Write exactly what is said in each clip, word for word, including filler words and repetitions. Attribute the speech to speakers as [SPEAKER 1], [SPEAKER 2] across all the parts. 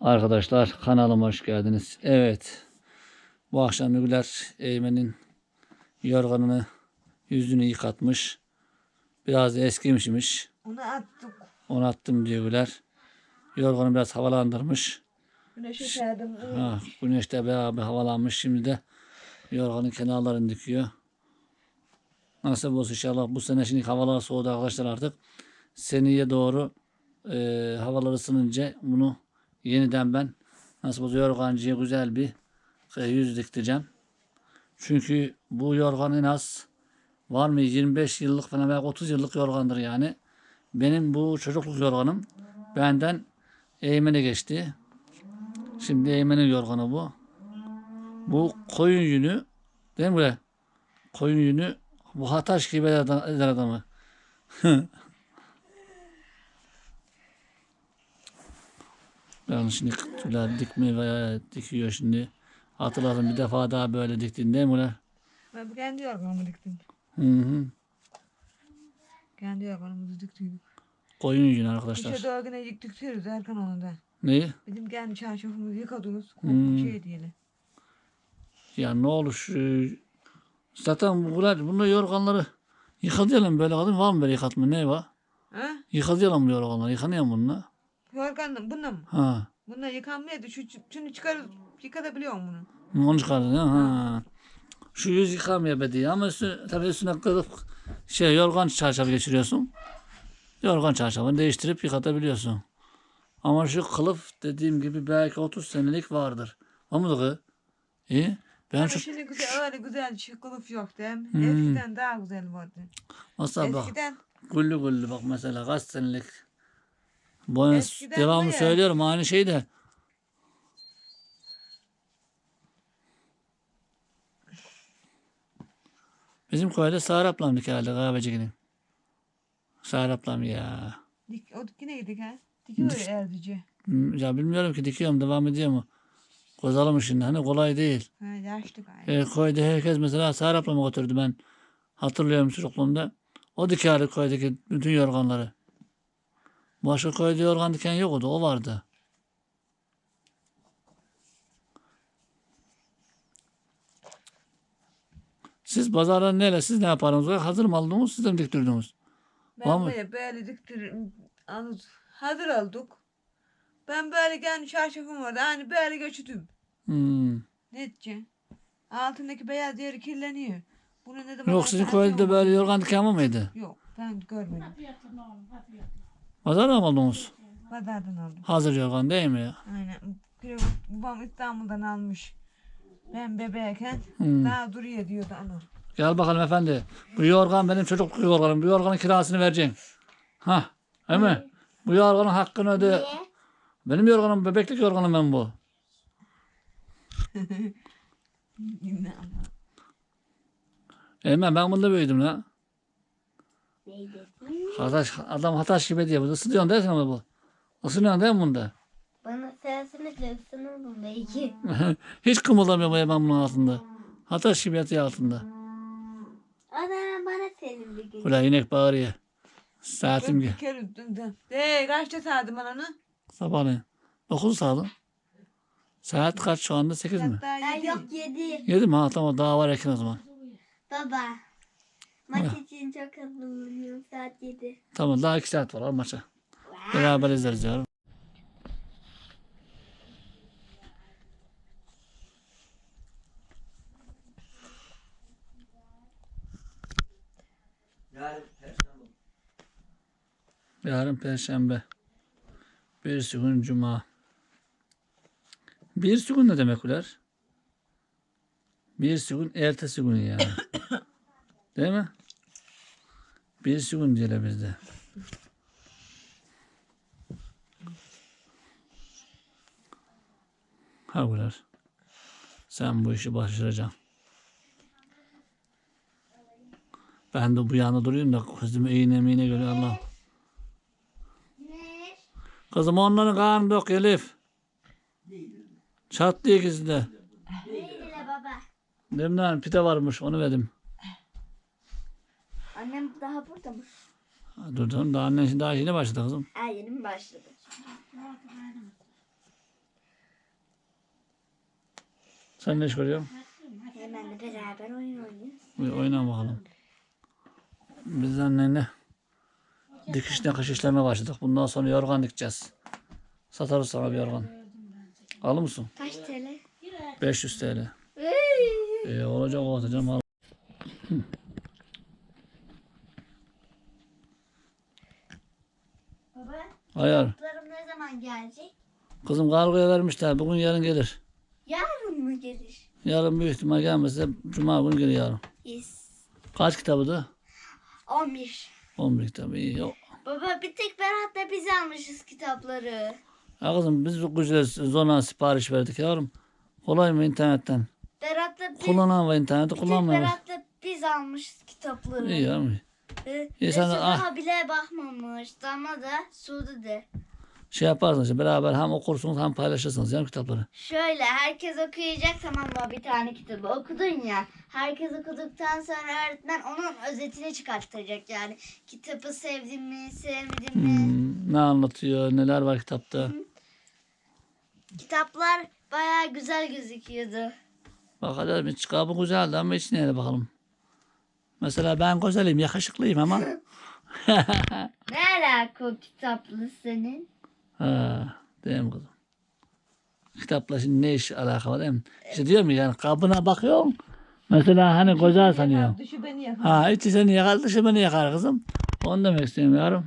[SPEAKER 1] Arkadaşlar kanalıma hoş geldiniz. Evet. Bu akşam Güler Eymen'in yorganını yüzünü yıkatmış. Biraz eskimişmiş.
[SPEAKER 2] Onu attık.
[SPEAKER 1] Onu attım diyor Güler. Yorganı biraz havalandırmış.
[SPEAKER 2] Güneşe serdim.
[SPEAKER 1] Ha, güneşte bayağı bir havalanmış. Şimdi de yorganın kenarlarını dikiyor. Nasip olsun inşallah bu sene, şimdi havalar soğudu arkadaşlar artık. Seneye doğru e, havalar ısınınca bunu yeniden ben nasıl olsa yorgancıya güzel bir e, yüz diktireceğim. Çünkü bu yorgan en az var mı yirmi beş yıllık falan veya otuz yıllık yorgandır yani. Benim bu çocukluk yorganım benden Eymen'e geçti. Şimdi Eymen'in yorganı bu. Bu koyun yünü değil mi böyle? Koyun yünü bu hataş gibi eder adamı. Yani şimdi tüyler dikme veya dikiyor şimdi. Hatırladım bir defa daha böyle diktin değil mi ulan?
[SPEAKER 2] Ben bu kendi yorganımı diktim.
[SPEAKER 1] Hı hı.
[SPEAKER 2] Kendi yorganımızı diktik.
[SPEAKER 1] Koyun yünü arkadaşlar.
[SPEAKER 2] İşe doğru yine diktiriyoruz Erkan onu da.
[SPEAKER 1] Neyi?
[SPEAKER 2] Bizim kendi çarşafımızı yıkadığımız
[SPEAKER 1] Hmm.
[SPEAKER 2] şey diyelim.
[SPEAKER 1] Ya ne olur şu... Zaten bunlar, bunlar yorganları yıkadıyalım böyle kadın var mı böyle yıkatma ne var?
[SPEAKER 2] Ha?
[SPEAKER 1] Yıkadıyalım bu yorganları yıkanıyor mu bununla?
[SPEAKER 2] Yorgan bununla mı?
[SPEAKER 1] Ha.
[SPEAKER 2] Bununla yıkanmıyordu. Şu, şunu çıkarıp yıkatabiliyor musun bunu?
[SPEAKER 1] Onu çıkardın ya. Ha. Şu yüz yıkamıyor be diye ama üstüne, tabii üstüne kılıf şey yorgan çarşafı geçiriyorsun. Yorgan çarşafını değiştirip yıkatabiliyorsun. Ama şu kılıf dediğim gibi belki otuz senelik vardır. O mu da İyi. Ben
[SPEAKER 2] Ama
[SPEAKER 1] şu
[SPEAKER 2] şimdi güzel, öyle güzel kılıf yok değil mi?
[SPEAKER 1] Hmm.
[SPEAKER 2] Eskiden daha güzel vardı.
[SPEAKER 1] mesela bak
[SPEAKER 2] Eskiden,
[SPEAKER 1] güllü güllü bak mesela kaç senelik. Bu
[SPEAKER 2] Eskiden
[SPEAKER 1] devamlı
[SPEAKER 2] bu ya.
[SPEAKER 1] söylüyorum aynı şey de. Bizim köyde Sağır ablam dik herhalde kahvecikinin. Sağır ablam ya.
[SPEAKER 2] dik, o yine yedik ha. Dikiyor
[SPEAKER 1] Dik-
[SPEAKER 2] ya erdici.
[SPEAKER 1] Hmm, Ya bilmiyorum ki dikiyorum devam ediyor mu? Kozalım şimdi hani kolay değil.
[SPEAKER 2] Ha, yaşlı gayet.
[SPEAKER 1] E, köyde herkes mesela Sağır ablamı götürdü ben. Hatırlıyorum çocukluğumda. O dikerdi köydeki bütün yorganları. Başka köyde yorgan diken yoktu, o vardı. Siz pazardan neyle, siz ne yaparsınız? Hazır mı aldınız, siz de mi diktirdiniz? Var
[SPEAKER 2] Ben
[SPEAKER 1] mı?
[SPEAKER 2] böyle böyle diktir, anız hazır olduk. Ben böyle kendi çarşafım vardı. Hani böyle göçürdüm.
[SPEAKER 1] Hmm.
[SPEAKER 2] Ne edeceğim? Altındaki beyaz yeri kirleniyor. Bunu ne zaman
[SPEAKER 1] Yok sizin
[SPEAKER 2] alsa
[SPEAKER 1] köyde de
[SPEAKER 2] atıyorum.
[SPEAKER 1] böyle yorgan diken var mıydı?
[SPEAKER 2] Yok ben görmedim.
[SPEAKER 1] Pazardan mı aldınız?
[SPEAKER 2] Pazardan aldım.
[SPEAKER 1] Hazır yorgan değil mi?
[SPEAKER 2] Aynen. Bir- Babam İstanbul'dan almış. Ben bebeğken
[SPEAKER 1] Hmm.
[SPEAKER 2] daha duruyor diyordu ana.
[SPEAKER 1] Gel bakalım efendi. Bu yorgan benim çocukluk yorganım. Bu yorganın kirasını vereceksin. Ha, değil mi? Bu yorganın hakkını öde.
[SPEAKER 3] Niye?
[SPEAKER 1] Benim yorganım, bebeklik yorganım ben bu.
[SPEAKER 2] Yine ama.
[SPEAKER 1] Eymen ben bunda büyüdüm la.
[SPEAKER 3] Neydi?
[SPEAKER 1] Hataş, adam hataş gibi diye. Bu ısıtıyorsun değil mi bu? Isınıyorsun değil mi bunda?
[SPEAKER 3] Bana sesini ısınırım belki.
[SPEAKER 1] Hiç kımıldamıyor bu Eymen bunun altında. Hataş gibi yatıyor altında.
[SPEAKER 3] O zaman bana senin bir gün.
[SPEAKER 1] Ulan inek bağırıyor. Saatim
[SPEAKER 2] Ben
[SPEAKER 1] gel.
[SPEAKER 2] bir kere dün- De kaçta sağdım ananı?
[SPEAKER 1] Sabahleyin. dokuz sağdım. Saat kaç şu anda? sekiz mi?
[SPEAKER 2] Hatta
[SPEAKER 3] Ay
[SPEAKER 2] yedi.
[SPEAKER 3] yok yedi.
[SPEAKER 1] yedi mi? Ha tamam, daha var erken o zaman.
[SPEAKER 3] Baba. Maç için çok hazırlanıyorum saat yedi.
[SPEAKER 1] Tamam, daha iki saat var al maça. Beraber izleriz ya. Yarın Perşembe. Bir gün Cuma. Bir gün ne demek ular? Bir gün ertesi gün yani. Değil mi? Bir gün diyelim bizde. Ha ular. Sen bu işi başaracaksın. Ben de bu yana duruyorum da kızım iğne miğne görüyor Allah.
[SPEAKER 3] Ne?
[SPEAKER 1] Kızım onların karnı yok Elif. Çattı ikisi de.
[SPEAKER 3] Neydi la baba?
[SPEAKER 1] Demden pide varmış onu verdim.
[SPEAKER 3] Annem daha burada mı?
[SPEAKER 1] Dur dur daha annen şimdi daha yeni başladı kızım.
[SPEAKER 3] Ha yeni mi başladı?
[SPEAKER 1] Sen ne iş görüyorsun?
[SPEAKER 3] Hemen de beraber oyun oynuyoruz.
[SPEAKER 1] Bir oyna bakalım. Biz annenle dikiş nakış işlemeye başladık. Bundan sonra yorgan dikeceğiz. Satarız sana bir yorgan. Alır mısın?
[SPEAKER 3] Kaç T L?
[SPEAKER 1] beş yüz T L. Ee, olacak o atacağım. Al.
[SPEAKER 3] Baba,
[SPEAKER 1] Ayar.
[SPEAKER 3] kitaplarım ne zaman gelecek?
[SPEAKER 1] Kızım kargoya vermişler. Bugün yarın gelir.
[SPEAKER 3] Yarın mı gelir?
[SPEAKER 1] Yarın büyük ihtimal gelmezse cuma günü gelir yarın.
[SPEAKER 3] Yes.
[SPEAKER 1] Kaç kitabıydı?
[SPEAKER 3] on bir.
[SPEAKER 1] on bir kitabı. İyi. Yok.
[SPEAKER 3] Baba bir tek Berat'la biz almışız kitapları.
[SPEAKER 1] Ya kızım biz bu güzel zona sipariş verdik yavrum. Kolay mı internetten?
[SPEAKER 3] Berat'la biz,
[SPEAKER 1] Kullanan var interneti
[SPEAKER 3] bir tek
[SPEAKER 1] kullanmıyor.
[SPEAKER 3] Berat'la biz almışız kitapları.
[SPEAKER 1] İyi yavrum.
[SPEAKER 3] Ee,
[SPEAKER 1] İyi, sen de-
[SPEAKER 3] Resul
[SPEAKER 1] ah.
[SPEAKER 3] daha bile bakmamış. Damla da Suudi de.
[SPEAKER 1] Şey yaparsınız işte beraber hem okursunuz hem paylaşırsınız yani kitapları.
[SPEAKER 3] Şöyle herkes okuyacak, tamam mı, bir tane kitabı okudun ya. Herkes okuduktan sonra öğretmen onun özetini çıkartacak yani. Kitabı sevdin mi, sevmedin mi?
[SPEAKER 1] Hmm, ne anlatıyor, neler var kitapta.
[SPEAKER 3] Kitaplar bayağı güzel gözüküyordu.
[SPEAKER 1] Bakalım hiç kabı güzeldi ama içine de bakalım. Mesela ben güzelim, yakışıklıyım ama.
[SPEAKER 3] Ne alaka o kitaplı senin?
[SPEAKER 1] Ha, değil mi kızım? Kitapla şimdi ne iş alaka var değil mi? İşte diyorum ya yani kabına bakıyorsun. Mesela hani güzel sanıyorsun.
[SPEAKER 2] Dışı beni yakar.
[SPEAKER 1] Ha içi seni yakar dışı beni yakar kızım. Onu demek istiyorum yavrum.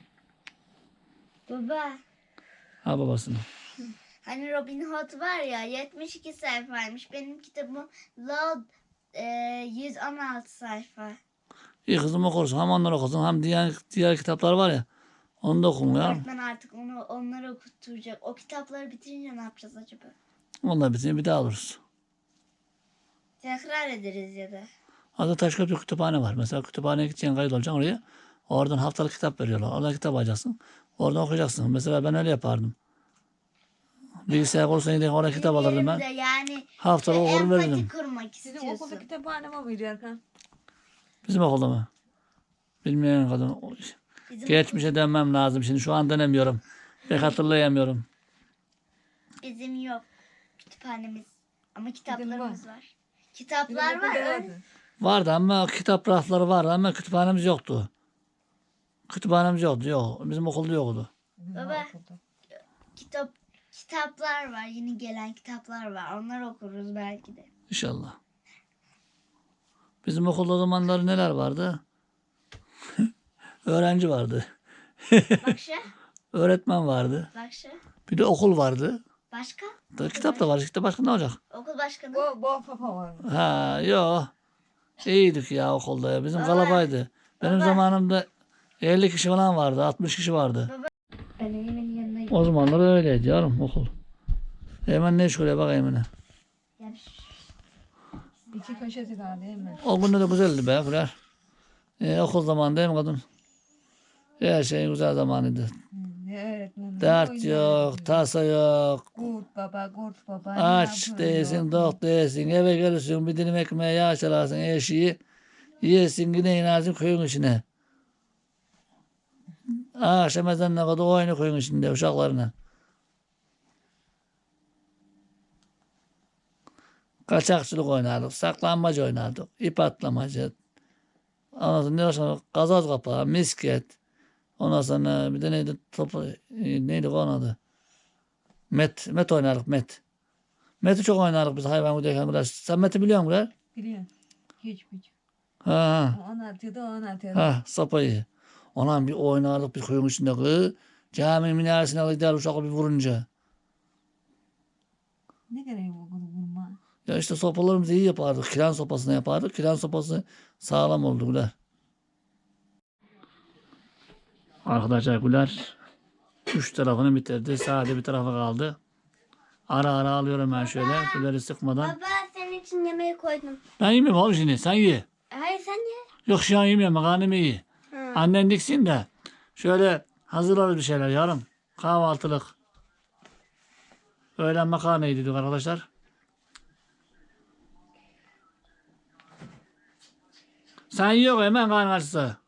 [SPEAKER 3] Baba,
[SPEAKER 1] Ha babasını.
[SPEAKER 3] hani Robin Hood var ya, yetmiş iki sayfaymış. Benim kitabım Loud e, yüz on altı sayfa.
[SPEAKER 1] İyi kızım okursun. Hem onları okursun hem diğer, diğer kitaplar var ya. Onu da okun ya.
[SPEAKER 3] Öğretmen artık onu onları okutacak. O kitapları bitirince ne yapacağız acaba?
[SPEAKER 1] Onlar bitince bir daha alırız.
[SPEAKER 3] Tekrar ederiz ya da.
[SPEAKER 1] Orada Taşköprü kütüphane var. Mesela kütüphaneye gideceksin, kayıt olacaksın oraya. Oradan haftalık kitap veriyorlar. Oradan kitap alacaksın. Oradan okuyacaksın. Mesela ben öyle yapardım. Bilgisayar kursuna gidip oraya kitap alırdım ben.
[SPEAKER 3] Benim de yani
[SPEAKER 1] Haftalık
[SPEAKER 3] şey,
[SPEAKER 1] okur verirdim.
[SPEAKER 3] empati kurmak
[SPEAKER 2] Sizin
[SPEAKER 3] istiyorsun.
[SPEAKER 2] okulda kütüphane mi mıydı Erkan?
[SPEAKER 1] Bizim okulda mı? Bilmeyen kadın.
[SPEAKER 3] Bizim,
[SPEAKER 1] Geçmişe dönmem lazım. Şimdi şu an dönemiyorum. Pek hatırlayamıyorum.
[SPEAKER 3] bizim yok kütüphanemiz. Ama
[SPEAKER 2] var.
[SPEAKER 3] kitaplarımız var.
[SPEAKER 2] Bizim
[SPEAKER 3] Kitaplar
[SPEAKER 2] okulda
[SPEAKER 3] var. öyle-
[SPEAKER 2] vardı.
[SPEAKER 1] Vardı ama kitap rafları vardı ama kütüphanemiz yoktu. Kütüphanemiz yoktu. Yok. Bizim okulda yoktu.
[SPEAKER 2] Bizim
[SPEAKER 3] Baba.
[SPEAKER 2] okulda.
[SPEAKER 3] Kitap kitaplar var. Yeni gelen kitaplar var. Onları okuruz belki de.
[SPEAKER 1] İnşallah. Bizim okulda o zamanlar neler vardı? Öğrenci vardı.
[SPEAKER 3] Bak şu.
[SPEAKER 1] Öğretmen vardı.
[SPEAKER 3] Bak şu.
[SPEAKER 1] Bir de okul vardı.
[SPEAKER 3] Başka?
[SPEAKER 1] Da kitap da var. İşte başka ne olacak?
[SPEAKER 3] Okul başkanı.
[SPEAKER 2] Bu, bu papa var.
[SPEAKER 1] Ha yok. İyiydik ya okulda ya. Bizim
[SPEAKER 3] Baba.
[SPEAKER 1] kalabaydı. Benim
[SPEAKER 3] Baba.
[SPEAKER 1] zamanımda elli kişi falan vardı. altmış kişi vardı.
[SPEAKER 3] Ben Eymen'in yanına
[SPEAKER 1] O
[SPEAKER 3] gidiyorum.
[SPEAKER 1] zamanlar öyleydi yavrum okul. Hemen ne iş görüyor bak Eymen'e.
[SPEAKER 3] Yani
[SPEAKER 2] İki köşesi kaldı değil mi?
[SPEAKER 1] O günde de güzeldi be Güler. Ee, okul zamanı değil mi kadın? Her şey güzel zamanıydı.
[SPEAKER 2] Ne öğretmenim.
[SPEAKER 1] Dert yok, tasa yok.
[SPEAKER 2] Kurt baba, kurt baba. ne
[SPEAKER 1] Aç
[SPEAKER 2] yapıyor,
[SPEAKER 1] değilsin,
[SPEAKER 2] yok.
[SPEAKER 1] tok değilsin. Eve gelirsin, bir dilim ekmeğe yağ çalarsın, eşiği. Yesin, yine inersin köyün içine. Akşam ezanına kadar oyunu köyün içinde uşaklarına. Kaçakçılık oynardık, saklanmaca oynardık, ip atlamacı. Ondan sonra ne başka? Gazoz kapağı, misket. Ondan sonra bir de neydi? Topu, neydi onun adı? Met, met oynardık, met. Met'i çok oynardık biz hayvan giderken biraz. Sen Met'i biliyor musun Güler?
[SPEAKER 2] Biliyorum. Hiç hiç.
[SPEAKER 1] Ha ha.
[SPEAKER 2] Onu atıyordu, onu atıyordu.
[SPEAKER 1] Ha sapayı. Ondan bir oynardık bir köyün içinde kız. Cami minaresine gider uşakla bir vurunca.
[SPEAKER 2] Ne gereği bu kızı vurma?
[SPEAKER 1] Ya işte sopalarımızı iyi yapardık. Kiren sopasını yapardık. Kiren sopası sağlam oldu Güler. Arkadaşlar Güler üç tarafını bitirdi. Sadece bir tarafa kaldı. Ara ara alıyorum ben şöyle. Güler'i sıkmadan.
[SPEAKER 3] baba senin için yemeği koydum.
[SPEAKER 1] Ben yemiyorum oğlum şimdi. Sen ye.
[SPEAKER 3] Hayır sen ye.
[SPEAKER 1] Yok şu an yemiyorum. Karnım iyi.
[SPEAKER 3] Hı.
[SPEAKER 1] Annen diksin de şöyle hazırlarız bir şeyler yarın. Kahvaltılık. Öğlen makarna yedik arkadaşlar. Sen yok hemen karnın açsa.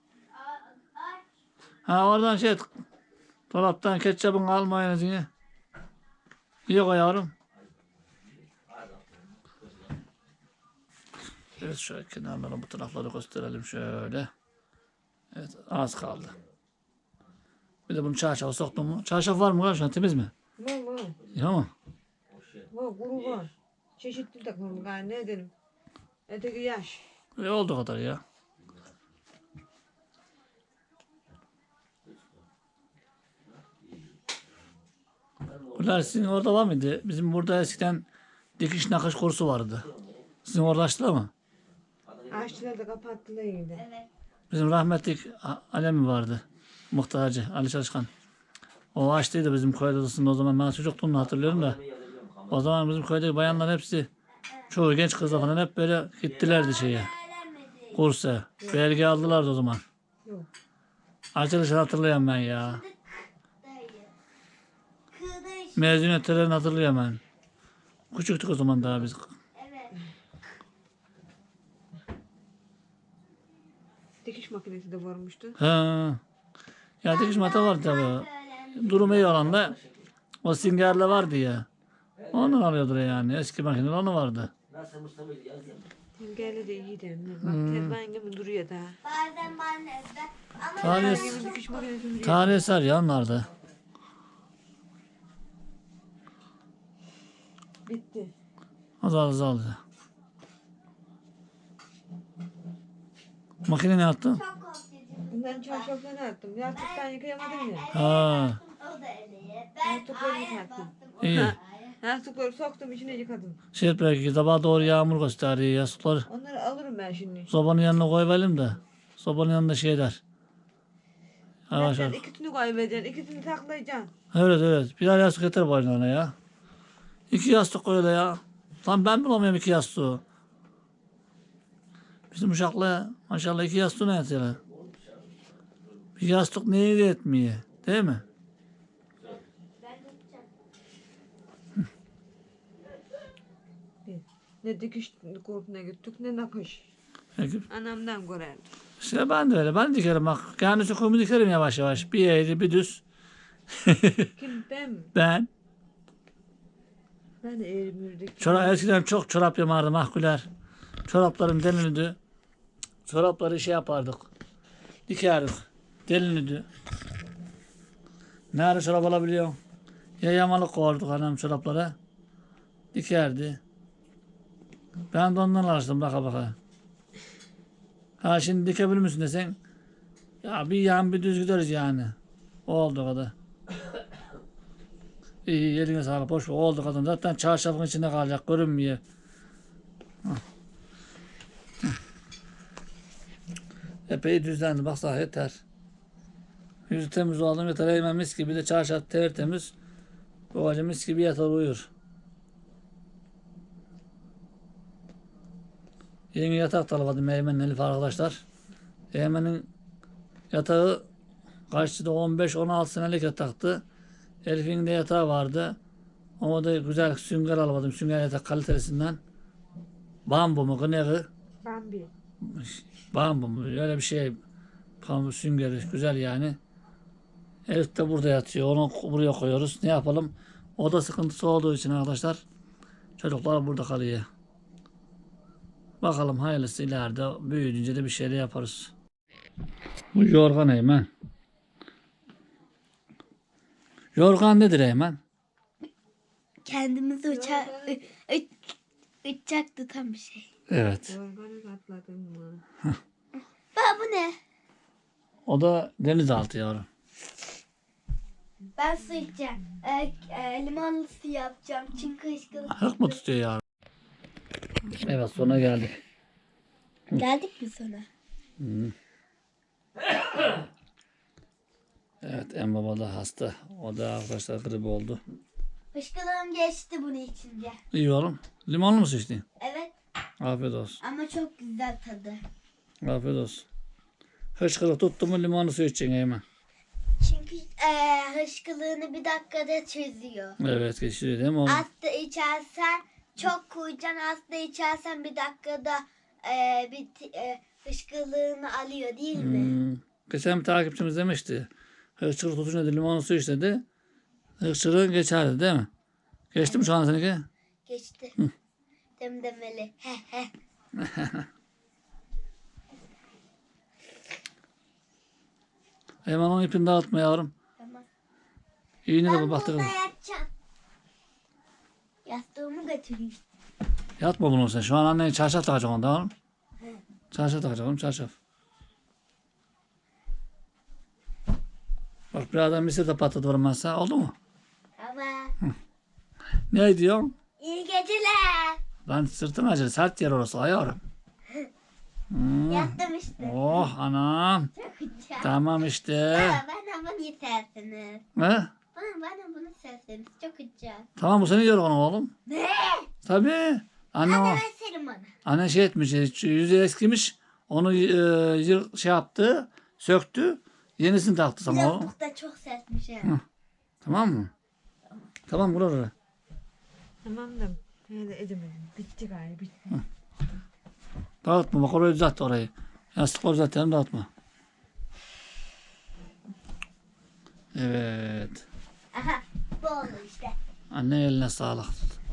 [SPEAKER 1] Ha oradan şey dolaptan ketçapın al mayonezini. Yok yavrum. Evet şöyle kenarlara bu tarafları gösterelim şöyle. Evet az kaldı. Bir de bunu çarşafa soktum mu? Çarşaf var mı var şu an temiz mi?
[SPEAKER 2] Var var.
[SPEAKER 1] Ya mı?
[SPEAKER 2] Var kuru var. Çeşitli takım galiba ne edelim. Öteki yaş.
[SPEAKER 1] E oldu kadar ya. Bunlar sizin orada var mıydı? Bizim burada eskiden dikiş nakış kursu vardı. Sizin orada açtılar mı?
[SPEAKER 2] Aşçılar da kapattılar yine.
[SPEAKER 3] Evet.
[SPEAKER 1] Bizim rahmetlik A- Alemi vardı. Muhtarcı Ali Çalışkan. O açtıydı bizim köy odasında o zaman. Ben çocukluğumda hatırlıyorum da. O zaman bizim köydeki bayanlar hepsi çoğu genç kızlar falan hep böyle gittilerdi şeye. Kursa. Belge aldılardı o zaman.
[SPEAKER 2] Yok.
[SPEAKER 1] Açılışı hatırlıyorum ben ya.
[SPEAKER 3] Dayı. Kıdış.
[SPEAKER 1] Mezuniyetlerini hatırlıyorum ben. Küçüktük o zaman daha biz.
[SPEAKER 3] Evet.
[SPEAKER 2] Dikiş makinesi de varmıştı.
[SPEAKER 1] Ha. Ya dikiş mata vardı tabii. Durum iyi olan da o singerle vardı ya. Ondan alıyordur yani. Eski makineler onu vardı.
[SPEAKER 2] Tengeli de iyiydi. Bak tezgahın gibi duruyor daha.
[SPEAKER 3] Bazen ben de ama
[SPEAKER 1] Tarih,
[SPEAKER 2] Tezgahın dikiş makinesi duruyor.
[SPEAKER 1] tarih eser ya onlarda.
[SPEAKER 2] Bitti.
[SPEAKER 1] Azal azal. Makine ne yaptın?
[SPEAKER 3] çok korkutucu.
[SPEAKER 2] Bundan çarşaflarını attım. Yastıktan yıkayamadım ya.
[SPEAKER 1] Ha.
[SPEAKER 3] O da öyle. Ben
[SPEAKER 2] Yastıkları
[SPEAKER 3] ayağa
[SPEAKER 2] yıkattım.
[SPEAKER 3] bastım.
[SPEAKER 1] İyi.
[SPEAKER 2] Yastıkları soktum içine yıkadım.
[SPEAKER 1] Şey belki sabah doğru yağmur gösteriyor yastıkları.
[SPEAKER 2] Onları alırım ben şimdi.
[SPEAKER 1] Sobanın yanına koyalım da. Sobanın yanında şeyler. Yavaş
[SPEAKER 2] Sen
[SPEAKER 1] yavaş.
[SPEAKER 2] ikisini kaybedeceksin. İkisini saklayacaksın.
[SPEAKER 1] Evet evet. Birer yastık yeter boynuna ya. İki yastık koy öyle ya. Lan ben bulamıyorum iki yastığı. Bizim uşakla maşallah iki yastığı ne yatıyorlar? Bir yastık neye de etmiyor. Değil mi?
[SPEAKER 3] Ben tutacağım.
[SPEAKER 2] Ne dikiş kurtuna gittik ne nakış.
[SPEAKER 1] Peki.
[SPEAKER 2] Anamdan görerdim.
[SPEAKER 1] İşte ben de öyle. Ben dikerim bak. Kendi söküğümü dikerim yavaş yavaş. Bir eğri bir düz.
[SPEAKER 2] Kim ben mi?
[SPEAKER 1] Ben.
[SPEAKER 2] Ben de eğrimürdik.
[SPEAKER 1] Çorap, eskiden çok çorap yamardım mahkuler. Çoraplarım delinirdi. Çorapları şey yapardık. Dikerdik. Delinirdi. Nerede çorap alabiliyor? Ya yamalık koyduk anam çoraplara. Dikerdi. Ben de ondan alıştım baka baka. Ha şimdi dikebilir misin desen. Ya bir yan bir düz gideriz yani. Oldu kadar. İyi eline sağlık. Boş ver. Oldu kadın. Zaten çarşafın içinde kalacak. Görünmüyor. Hah. Hah. Epey düzlendi. Baksana yeter. Yüzü temiz oldum yeter. Eymen mis gibi de çarşaf tertemiz. Babacı mis gibi yatar uyur. Yeni yatak talabadım Eymen'in Elif arkadaşlar. Eymen'in yatağı kaçtı da on beş on altı senelik yataktı. Elif'in de yatağı vardı. Ama da güzel sünger almadım. Sünger yatak kalitelisinden. Bambu mu? Gınegı?
[SPEAKER 2] Bambi.
[SPEAKER 1] Bambu mu? Öyle bir şey. Bambu süngeri. Güzel yani. Elif de burada yatıyor. Onu buraya koyuyoruz. Ne yapalım? Oda sıkıntısı olduğu için arkadaşlar. Çocuklar burada kalıyor. Bakalım hayırlısı ileride büyüyünce de bir şeyler yaparız. Bu yorgan Eymen. Yorgan nedir Eymen?
[SPEAKER 3] Kendimizi uça uçak tutan bir şey.
[SPEAKER 1] Evet.
[SPEAKER 2] Yorganı atladım mı?
[SPEAKER 3] Baba bu ne?
[SPEAKER 1] O da denizaltı yavrum.
[SPEAKER 3] Ben su içeceğim. E, e, limonlu su yapacağım. Çünkü ışkılık.
[SPEAKER 1] Hık mı tutuyor yavrum? Evet sona geldik.
[SPEAKER 3] Geldik mi sonra?
[SPEAKER 1] Hı. Evet en baba da hasta. O da arkadaşlar grip oldu.
[SPEAKER 3] Işkılığım geçti bunu içince.
[SPEAKER 1] İyi oğlum. Limonlu mu su içtin?
[SPEAKER 3] Evet
[SPEAKER 1] Afiyet olsun.
[SPEAKER 3] ama çok güzel tadı.
[SPEAKER 1] Afiyet olsun. Hışkırık tuttu mu limonlu su içeceksin Eymen.
[SPEAKER 3] Çünkü e, hışkılığını bir dakikada çözüyor.
[SPEAKER 1] Evet geçiriyor değil mi oğlum?
[SPEAKER 3] Az da içersen çok koyacaksın. Az da içersen bir dakikada e, bir e, hışkılığını alıyor değil mi?
[SPEAKER 1] Hmm. Geçen bir takipçimiz demişti. Hışkırık tutunca da limonlu su iç dedi. Hışkırığın geçerdi değil mi? Geçti mi şu an seninki?
[SPEAKER 3] Geçti. Demdemeli. He he.
[SPEAKER 1] Hemen onun ipini dağıtma yavrum.
[SPEAKER 3] Tamam.
[SPEAKER 1] İğne de
[SPEAKER 3] Ben
[SPEAKER 1] bu
[SPEAKER 3] burada
[SPEAKER 1] baktı.
[SPEAKER 3] yatacağım. Yastığımı götüreyim.
[SPEAKER 1] Yatma bunu sen. Şu an anneye çarşaf takacak onda oğlum. Çarşaf takacak oğlum çarşaf. Bak birazdan mısır da patlatıyorum ben sana. Oldu mu?
[SPEAKER 3] Tamam.
[SPEAKER 1] Ne diyorsun?
[SPEAKER 3] İyi geceler.
[SPEAKER 1] Lan sırtın acır. Sert yer orası ayağım. Hmm.
[SPEAKER 3] Yattım işte.
[SPEAKER 1] Oh anam.
[SPEAKER 3] Çok güzel.
[SPEAKER 1] Tamam işte.
[SPEAKER 3] Baba bana bunu yetersiniz.
[SPEAKER 1] Ne?
[SPEAKER 3] Bana, bana bunu serseniz çok güzel.
[SPEAKER 1] Tamam bu senin yorganın oğlum.
[SPEAKER 3] Ne?
[SPEAKER 1] Tabii. Anne o.
[SPEAKER 3] Hadi verselim bana.
[SPEAKER 1] Anne şey etmiş. Yüzü eskimiş. Onu e, yır- şey yaptı. Söktü. Yenisini taktı sana oğlum.
[SPEAKER 3] Lastik da çok sertmiş ha.
[SPEAKER 1] Hı. Tamam mı? Tamam vur oraya.
[SPEAKER 2] Tamam da öyle edemedim. Bitti galiba bitti.
[SPEAKER 1] Dağıtma bak orayı düzelt orayı. Yastıkları düzeltelim dağıtma. Evet.
[SPEAKER 3] Aha bu oldu işte.
[SPEAKER 1] Anne eline sağlık.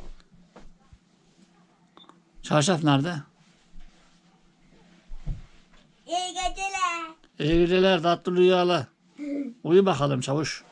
[SPEAKER 1] Çarşaf nerede?
[SPEAKER 3] İyi geceler.
[SPEAKER 1] İyi geceler tatlı rüyalar. Uyu bakalım çavuş.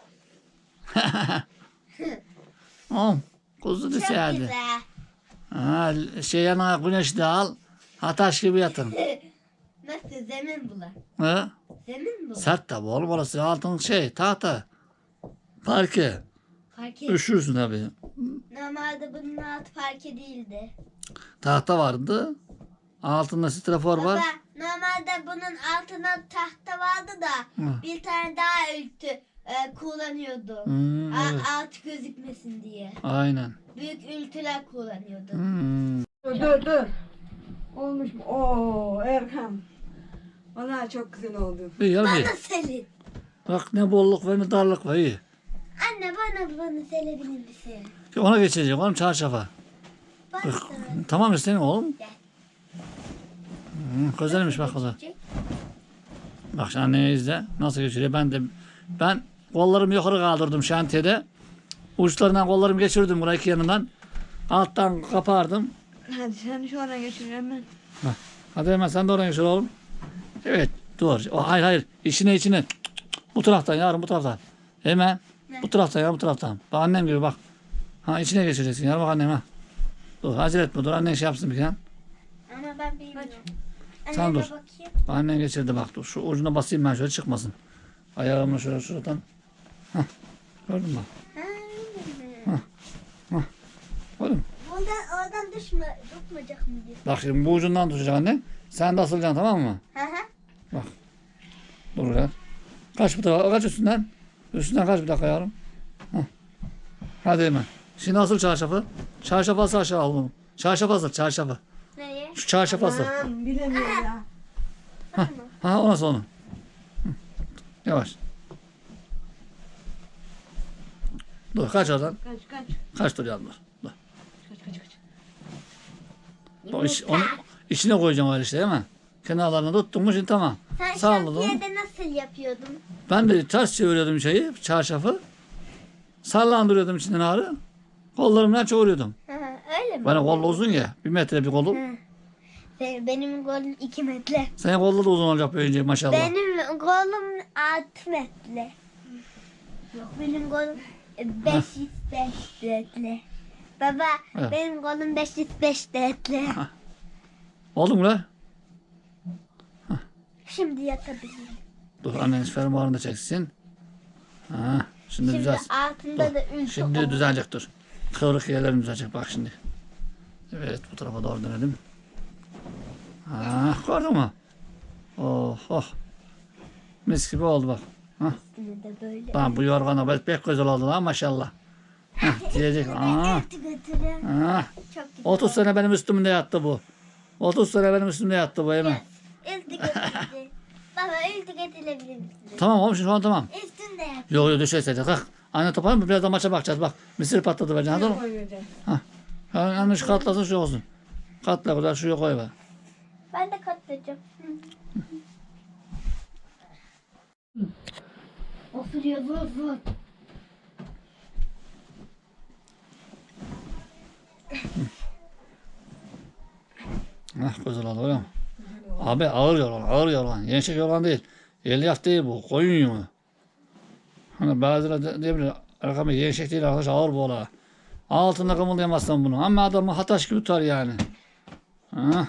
[SPEAKER 1] Oh, kuzu
[SPEAKER 3] Çok
[SPEAKER 1] dişi hadi.
[SPEAKER 3] güzel.
[SPEAKER 1] Ha, şey yanına güneş de al. Ha taş gibi yatın.
[SPEAKER 3] Nasıl zemin bular?
[SPEAKER 1] Ha?
[SPEAKER 3] Zemin bu.
[SPEAKER 1] Sert tabi oğlum orası altın şey tahta. Parke.
[SPEAKER 3] Parke.
[SPEAKER 1] Üşürsün tabi.
[SPEAKER 3] Normalde bunun altı parke değildi.
[SPEAKER 1] Tahta vardı. Altında strafor var.
[SPEAKER 3] Baba normalde bunun altına tahta vardı da
[SPEAKER 1] Hı.
[SPEAKER 3] bir tane daha ültü e, kullanıyordu.
[SPEAKER 1] Hmm,
[SPEAKER 3] A-
[SPEAKER 1] evet.
[SPEAKER 3] alt gözükmesin diye.
[SPEAKER 1] Aynen.
[SPEAKER 3] Büyük ültüler kullanıyordu.
[SPEAKER 1] Hmm.
[SPEAKER 2] Dur dur dur. Olmuş mu? Oo Erkan. Vallahi çok güzel oldu.
[SPEAKER 1] İyi ya iyi.
[SPEAKER 3] Bana selin.
[SPEAKER 1] Bak ne bolluk var ne darlık var iyi.
[SPEAKER 3] Anne bana bunu selebilir misin?
[SPEAKER 1] Ona geçecek oğlum çarşafa.
[SPEAKER 3] Bak
[SPEAKER 1] Bak,
[SPEAKER 3] sana.
[SPEAKER 1] tamam istedim oğlum.
[SPEAKER 3] Gel.
[SPEAKER 1] Hmm, güzelmiş bak o da. Bak şimdi anneye izle. Nasıl geçiriyor. Ben de ben kollarımı yukarı kaldırdım şantiyede. Uçlarından kollarımı geçirdim buraya iki yanından. Alttan kapardım.
[SPEAKER 2] Hadi sen şu ana geçir hemen.
[SPEAKER 1] Hah. Hadi hemen sen de oraya geçir oğlum. Evet dur. O, hayır hayır. İçine içine. Bu taraftan yarın bu taraftan. Hemen.
[SPEAKER 3] Ne?
[SPEAKER 1] Bu taraftan ya bu taraftan. Bak annem gibi bak. Ha içine geçireceksin. Yarın bak annem ha. Dur acele etme dur. Annen şey yapsın bir kere.
[SPEAKER 3] Ama ben bilmiyorum.
[SPEAKER 1] Sen
[SPEAKER 3] Anneme
[SPEAKER 1] dur.
[SPEAKER 3] bakayım.
[SPEAKER 1] Bak annen geçirdi bak dur. Şu ucuna basayım ben şöyle çıkmasın. Ayağımla şöyle şuradan. Hah. Gördün mü?
[SPEAKER 3] Ha,
[SPEAKER 1] Oğlum.
[SPEAKER 3] Buradan oradan düşme, tutmayacak mı diye.
[SPEAKER 1] Bak şimdi bu ucundan tutacak anne. Sen de asılacaksın tamam mı?
[SPEAKER 3] Hı hı.
[SPEAKER 1] Dur ya. Kaç bir dakika. Kaç üstünden. Üstünden kaç bir dakika yavrum. Hah. Hadi hemen. Şimdi asıl çarşafı. Çarşafı asıl aşağı al bunu. Çarşafı asıl çarşafı.
[SPEAKER 3] Nereye?
[SPEAKER 1] Şu çarşafı asıl.
[SPEAKER 2] Aman bilemiyorum ya.
[SPEAKER 1] Ha o nasıl onu? Hı. Yavaş. Dur kaç oradan.
[SPEAKER 2] Kaç kaç.
[SPEAKER 1] Kaç dur yavrum dur. Dur.
[SPEAKER 2] Kaç kaç kaç.
[SPEAKER 1] O iç, onu içine koyacağım öyle işte değil mi? Kenarlarını tuttun mu şimdi tamam.
[SPEAKER 3] Sen
[SPEAKER 1] Salladım.
[SPEAKER 3] şantiyede nasıl yapıyordun?
[SPEAKER 1] Ben de ters çeviriyordum şeyi, çarşafı. Sallandırıyordum içinden ağrı. Kollarımla çoğuruyordum.
[SPEAKER 3] Hı hı, öyle mi?
[SPEAKER 1] Benim kol uzun ya. Bir metre bir kolum.
[SPEAKER 3] Hı. Be- Benim kolum iki metre.
[SPEAKER 1] Senin kolda da uzun olacak böylece maşallah.
[SPEAKER 3] Benim kolum altı metre. Yok benim kolum beş yüz beş metre. Baba
[SPEAKER 1] Evet.
[SPEAKER 3] benim kolum beş yüz beş metre.
[SPEAKER 1] Oldu mu lan?
[SPEAKER 3] Şimdi yatabilirim.
[SPEAKER 1] Dur anneniz fermuarını da çeksin. Ha, şimdi,
[SPEAKER 3] Şimdi
[SPEAKER 1] düzel.
[SPEAKER 3] altında
[SPEAKER 1] Dur.
[SPEAKER 3] da ülke
[SPEAKER 1] Şimdi
[SPEAKER 3] olur.
[SPEAKER 1] düzelecek dur. Kıvrık yerlerim düzelecek bak şimdi. Evet bu tarafa doğru dönelim. Ha, gördün mü? Oh oh. Mis gibi oldu bak. Ha.
[SPEAKER 3] Üstüne de böyle.
[SPEAKER 1] Tamam bu yorgana pek pek güzel oldu lan maşallah. Hah, diyecek. Aa,
[SPEAKER 3] Götü götürüyor.
[SPEAKER 1] aa.
[SPEAKER 3] Çok güzel.
[SPEAKER 1] otuz sene benim üstümde yattı bu. otuz sene benim üstümde yattı bu hemen.
[SPEAKER 3] Üstü götürdü. Baba üstü götürebilir misin?
[SPEAKER 1] Tamam oğlum şimdi şu an tamam.
[SPEAKER 3] Üstünde yap.
[SPEAKER 1] Yok yok düşerseydik. Kalk. Anne topar mı? Birazdan maça bakacağız bak. Mısır patladı bence. Hadi oğlum.
[SPEAKER 2] Koyacağım.
[SPEAKER 1] Yani yanlış katlasın şu olsun. Katla kadar şuraya koy be.
[SPEAKER 3] Ben de katlayacağım. Oturuyor zor zor.
[SPEAKER 1] Heh, güzel oldu öyle mi? Abi ağır yorgan, ağır yorgan. Yençek yorgan değil. Elyaf değil bu. Koyun yünü. Hani bazıları de- diyebilir. Arkadaşlar yençek değil arkadaş ağır bu ola. Altında kımıldayamazsan bunu. Ama adamı hataş gibi tutar yani. Ha.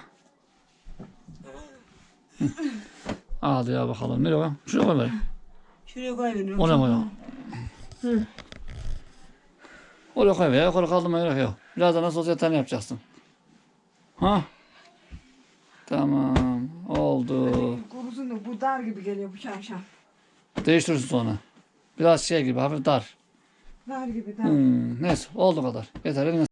[SPEAKER 1] Hadi ya bakalım. Nereye koyalım? Şuraya koy bari.
[SPEAKER 2] Şuraya koyuyorum.
[SPEAKER 1] Oraya koyalım. Oraya koy be. Yukarı kaldırma gerek yok. Birazdan nasıl olsa yatağını yapacaksın. Ha? Tamam. Oldu.
[SPEAKER 2] Kurusun da bu dar gibi geliyor bu şarşam.
[SPEAKER 1] Değiştirirsin sonra. Biraz şey gibi hafif dar.
[SPEAKER 2] Dar gibi dar.
[SPEAKER 1] Hmm, neyse oldu kadar. Yeter. Eline